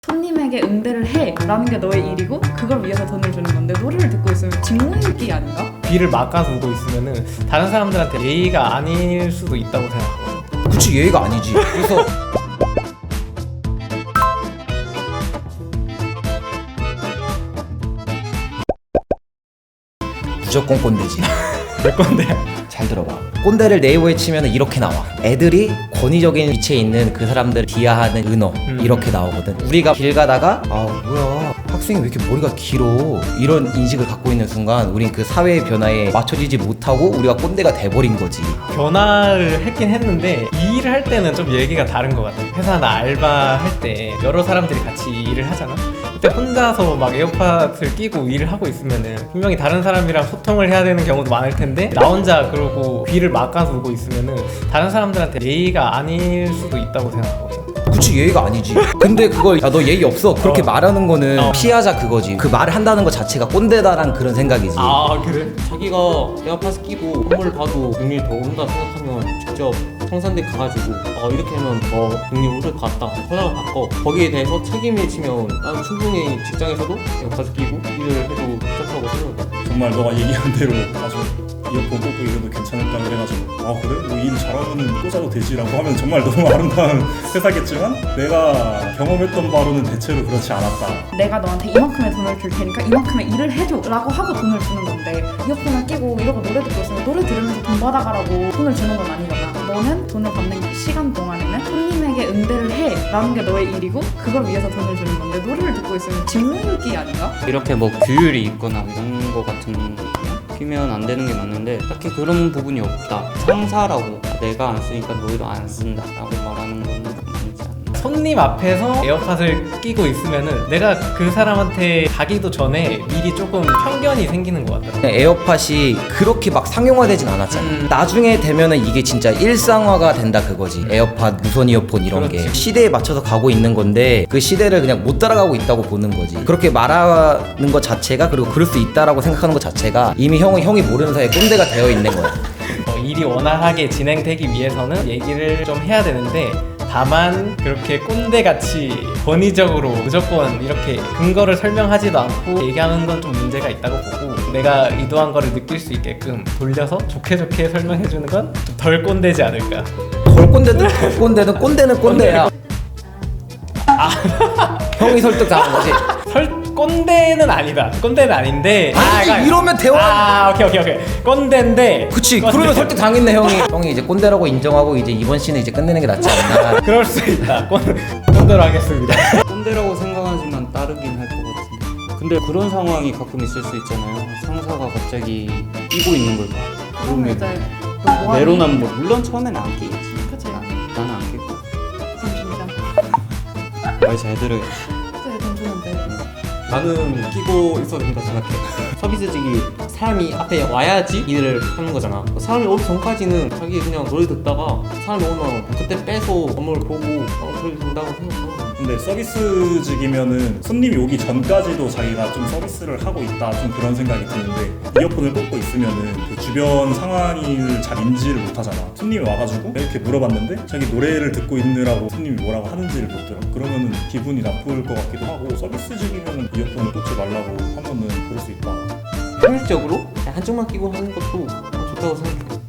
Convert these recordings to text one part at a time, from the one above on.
손님에게 응대를 해 라는 게 너의 일이고 그걸 위해서 돈을 주는 건데 노래를 듣고 있으면 직무유기 아닌가? 귀를 막아두고 있으면은 다른 사람들한테 예의가 아닐 수도 있다고 생각하거든. 그치, 예의가 아니지. 그래서 무조건 꼰대지. 내 건데. 잘 들어봐. 꼰대를 네이버에 치면 이렇게 나와. 애들이 권위적인 위치에 있는 그 사람들을 비하하는 은어 이렇게 나오거든. 우리가 길 가다가 뭐야 학생이 왜 이렇게 머리가 길어 이런 인식을 갖고 있는 순간 우린 그 사회의 변화에 맞춰지지 못하고 우리가 꼰대가 돼버린 거지. 변화를 했긴 했는데 이 일을 할 때는 좀 얘기가 다른 것 같아. 회사나 알바 할 때 여러 사람들이 같이 일을 하잖아. 그때 혼자서 막 에어팟을 끼고 일을 하고 있으면은 분명히 다른 사람이랑 소통을 해야 되는 경우도 많을 텐데 나 혼자 그러고 귀를 막아두고 있으면은 다른 사람들한테 예의가 아닐 수도 있다고 생각하거든. 그치, 예의가 아니지. 근데 그걸 야 너 예의 없어 그렇게 말하는 거는 피하자 그거지. 그 말을 한다는 것 자체가 꼰대다란 그런 생각이지. 아 그래? 자기가 에어팟 끼고 선물을 봐도 능력이 더 오른다 생각하면 직접 청산대 가가지고 이렇게 하면 더 능력이 오를 것 같다 전화를 바꿔. 거기에 대해서 책임을 지면 난 충분히 직장에서도 에어팟 끼고 일을 해도 좋다고 생각해. 정말 너가 얘기한 대로 아주 이어폰 꽂고 이래도 괜찮을까 그래가지고 그래? 뭐 일 잘하면 꽂아도 되지라고 하면 정말 너무 아름다운 회사겠지만 내가 경험했던 바로는 대체로 그렇지 않았다. 내가 너한테 이만큼의 돈을 줄 테니까 이만큼의 일을 해줘 라고 하고 돈을 주는 건데 이어폰을 끼고 이러고 노래 듣고 있으면 노래 들으면서 돈 받아가라고 돈을 주는 건 아니잖아. 너는 돈을 받는 시간 동안에는 손님에게 응대를 해 라는 게 너의 일이고 그걸 위해서 돈을 주는 건데 노래를 듣고 있으면 직무유기 아닌가? 이렇게 뭐 규율이 있거나 이런 거 같은 거 피면 안 되는 게 맞는데 딱히 그런 부분이 없다. 상사라고 내가 안 쓰니까 너희도 안 쓴다 라고 말하는 건 아니지 않나. 손님 앞에서 에어팟을 끼고 있으면은 내가 그 사람한테 가기도 전에 미리 조금 편견이 생기는 것 같더라고. 에어팟이 그렇게 막 상용화되진 않았잖아. 나중에 되면은 이게 진짜 일상화가 된다 그거지. 에어팟, 무선 이어폰 이런 게 그렇지. 시대에 맞춰서 가고 있는 건데 그 시대를 그냥 못 따라가고 있다고 보는 거지. 그렇게 말하는 것 자체가 그리고 그럴 수 있다라고 생각하는 것 자체가 이미 형이 모르는 사이에 꼰대가 되어 있는 거야. 일이 원활하게 진행되기 위해서는 얘기를 좀 해야 되는데 다만 그렇게 꼰대같이 권위적으로 무조건 이렇게 근거를 설명하지도 않고 얘기하는 건 좀 문제가 있다고 보고 내가 의도한 거를 느낄 수 있게끔 돌려서 좋게 설명해주는 건 좀 덜 꼰대지 않을까. 덜 꼰대든 꼰대는 꼰대야. 형이 설득당한 거지. 꼰대는 아니다. 꼰대는 아닌데. 아니, 이러면 대화. 오케이. 꼰대인데. 그치. 꼰대. 그러면 설득 당했네 형이 이제 꼰대라고 인정하고 이제 이번 시는 이제 끝내는 게 낫지 않나. 그럴 수 있다. 꼰대로 하겠습니다. 꼰대라고 생각하지만 따르긴 할 것 같은데. 근데 그런 상황이 가끔 있을 수 있잖아요. 상사가 갑자기 끼고 있는 걸 봐. 그러면 그러면 이제 너 뭐하니? 내로남불. 물론 처음엔 안 끼겠지. 그치. 나는 안 끼고. 돈 주자. 말 잘 들어야지. 그치, 돈 주는데. 나는 끼고 있어도 된다 생각해. 서비스직이 사람이 앞에 와야지 일을 하는 거잖아. 사람이 오기 전까지는 자기 그냥 노래 듣다가 사람이 오면 그때 빼서 업무를 보고 그래도 된다고 생각해. 근데 서비스직이면은 손님이 오기 전까지도 자기가 좀 서비스를 하고 있다 좀 그런 생각이 드는데 이어폰을 꽂고 있으면은 그 주변 상황을 잘 인지를 못하잖아. 손님이 와가지고 이렇게 물어봤는데 자기 노래를 듣고 있느라고 손님이 뭐라고 하는지를 못 들어. 그러면은 기분이 나쁠 것 같기도 하고 서비스직이면은 이어폰을 꽂지 말라고 하면은 그럴 수 있다. 효율적으로 한쪽만 끼고 하는 것도 좋다고 생각해.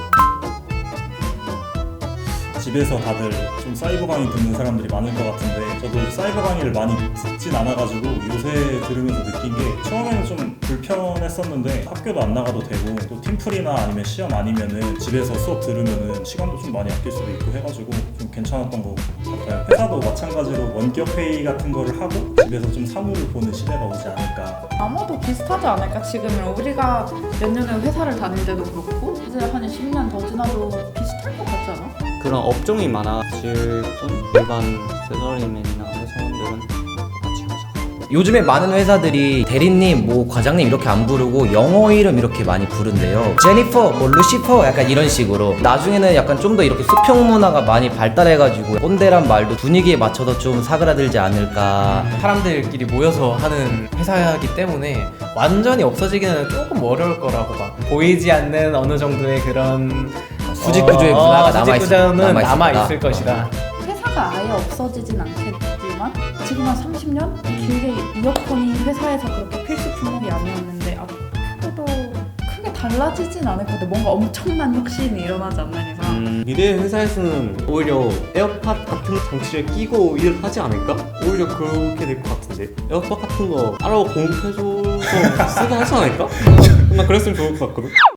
집에서 다들 좀 사이버 강의 듣는 사람들이 많을 것 같은데 저도 사이버 강의를 많이 듣진 않아가지고 요새 들으면서 느낀 게 처음에는 좀 불편했었는데 학교도 안 나가도 되고 또 팀플이나 아니면 시험 아니면은 집에서 수업 들으면은 시간도 좀 많이 아낄 수도 있고 해가지고 좀 괜찮았던 것 같아요. 회사도 마찬가지로 원격 회의 같은 거를 하고 집에서 좀 사무를 보는 시대가 오지 않을까. 아마도 비슷하지 않을까 지금은. 우리가 몇 년에 회사를 다닐 때도 그렇고 이제 한 10년 더 지나도 비슷할 것 같지 않아? 그런 업종이 많아질 뿐 일반 셀러리맨이나 회사원들은 같이 하자. 요즘에 많은 회사들이 대리님, 뭐 과장님 이렇게 안 부르고 영어 이름 이렇게 많이 부른대요. 제니퍼, 뭐 루시퍼 약간 이런 식으로. 나중에는 약간 좀 더 이렇게 수평 문화가 많이 발달해가지고 꼰대란 말도 분위기에 맞춰서 좀 사그라들지 않을까. 사람들끼리 모여서 하는 회사이기 때문에 완전히 없어지기는 조금 어려울 거라고 봐. 보이지 않는 어느 정도의 그런 수직 구조의 문화가 수직 구조는 남아있을 남아있을 것이다. 회사가 아예 없어지진 않겠지만 지금 한 30년? 길게 이어폰이 회사에서 그렇게 필수 품목이 아니었는데 앞으로도 크게 달라지진 않을 것 같아. 뭔가 엄청난 혁신이 일어나지 않는 이상. 미래의 회사에서는 오히려 에어팟 같은 장치를 끼고 일을 하지 않을까? 오히려 그렇게 될 것 같은데 에어팟 같은 거 따로 공급해줘서 쓰게 하지 않을까? 나 그랬으면 좋을 것 같거든.